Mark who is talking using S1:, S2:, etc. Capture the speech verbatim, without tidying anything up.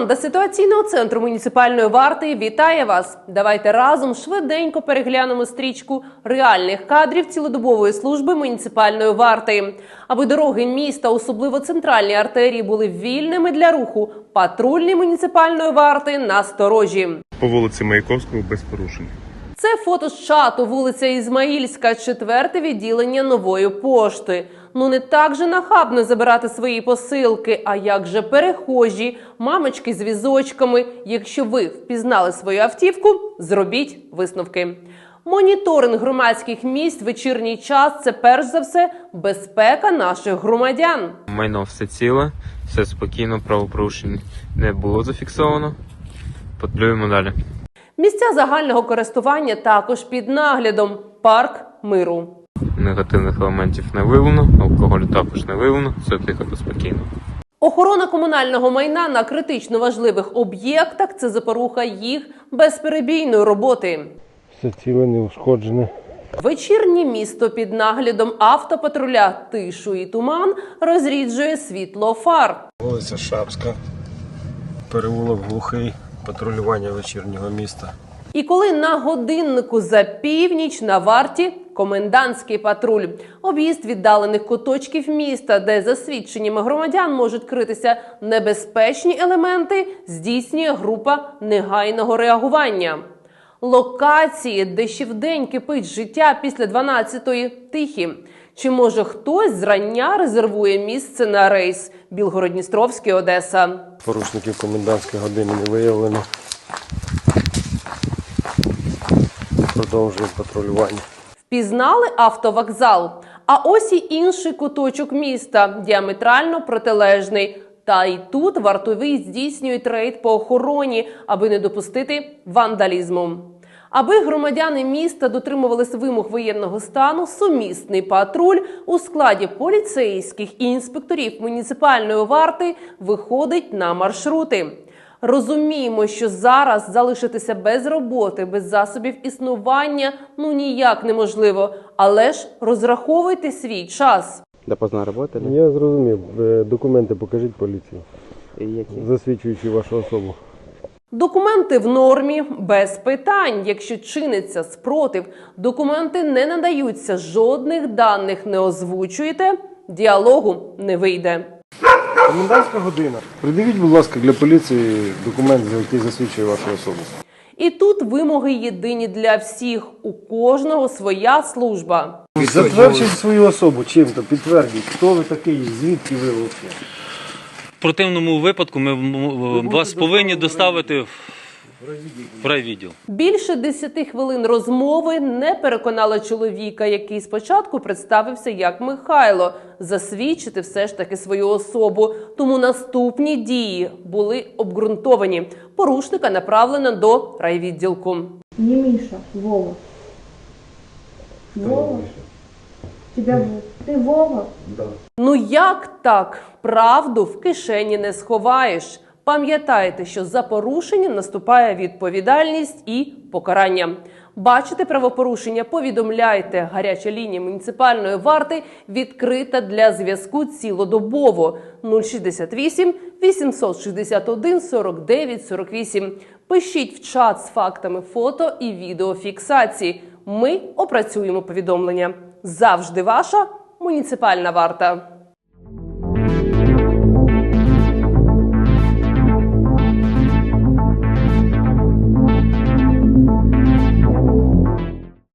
S1: Команда ситуаційного центру муніципальної варти вітає вас! Давайте разом швиденько переглянемо стрічку реальних кадрів цілодобової служби муніципальної варти. Аби дороги міста, особливо центральні артерії, були вільними для руху, патрульні муніципальної варти насторожі.
S2: По вулиці Маяковського без порушень.
S1: Це фото з чату, вулиця Ізмаїльська, четверте відділення Нової пошти. Ну не так же нахабно забирати свої посилки, а як же перехожі, мамочки з візочками. Якщо ви впізнали свою автівку, зробіть висновки. Моніторинг громадських місць в вечірній час – це перш за все безпека наших громадян.
S3: Майно все ціле, все спокійно, правопорушень не було зафіксовано. Патрулюємо далі.
S1: Місця загального користування також під наглядом. Парк Миру.
S3: Негативних елементів не виявлено, алкоголю також не виявлено, все тихо та спокійно.
S1: Охорона комунального майна на критично важливих об'єктах – це запоруха їх безперебійної роботи.
S4: Все ціле, не ушкоджене.
S1: Вечірнє місто під наглядом автопатруля «Тишу і туман» розріджує світло фар.
S4: Вулиця Шапська, переулок Глухий, патрулювання вечірнього міста.
S1: І коли на годиннику за північ на варті комендантський патруль. Об'їзд віддалених куточків міста, де за свідченнями громадян можуть критися небезпечні елементи, здійснює група негайного реагування. Локації, де ще вдень кипить життя після дванадцятої, тихі. Чи може хтось зрання резервує місце на рейс Білгород-Дністровський, Одеса?
S4: Порушників комендантської години не виявлено. Продовжує патрулювання.
S1: Впізнали автовокзал? А ось і інший куточок міста, діаметрально протилежний. Та й тут вартові здійснюють рейд по охороні, аби не допустити вандалізму. Аби громадяни міста дотримувалися вимог воєнного стану, сумісний патруль у складі поліцейських і інспекторів муніципальної варти виходить на маршрути. Розуміємо, що зараз залишитися без роботи, без засобів існування ну ніяк неможливо. Але ж розраховуйте свій час.
S5: Допоздна работали?
S4: Я зрозумів. Документи покажіть поліції,
S5: Які?
S4: засвідчуючи вашу особу.
S1: Документи в нормі, без питань. Якщо чиниться спротив, документи не надаються, жодних даних не озвучуєте, діалогу не вийде.
S4: Комендантська година. Придивіть, будь ласка, для поліції документ, який засвідчує вашу особу.
S1: І тут вимоги єдині для всіх. У кожного своя служба.
S4: Затвердіть свою особу чим-то, підтвердіть, хто ви такий, звідки ви взагалі.
S6: В противному випадку ми вас повинні доставити в райвідділ.
S1: Більше десяти хвилин розмови не переконала чоловіка, який спочатку представився як Михайло, засвідчити все ж таки свою особу. Тому наступні дії були обґрунтовані. Порушника направлено до райвідділку.
S7: Не Миша, Вова. Вова? Тебя Ты Вова?
S4: Да.
S1: Ну як так? Правду в кишені не сховаєш. Пам'ятайте, що за порушення наступає відповідальність і покарання. Бачите правопорушення? Повідомляйте. Гаряча лінія муніципальної варти відкрита для зв'язку цілодобово. нуль шістдесят вісім вісімсот шістдесят один сорок дев'ять сорок вісім. Пишіть в чат з фактами фото і відеофіксації. Ми опрацюємо повідомлення. Завжди ваша муніципальна варта.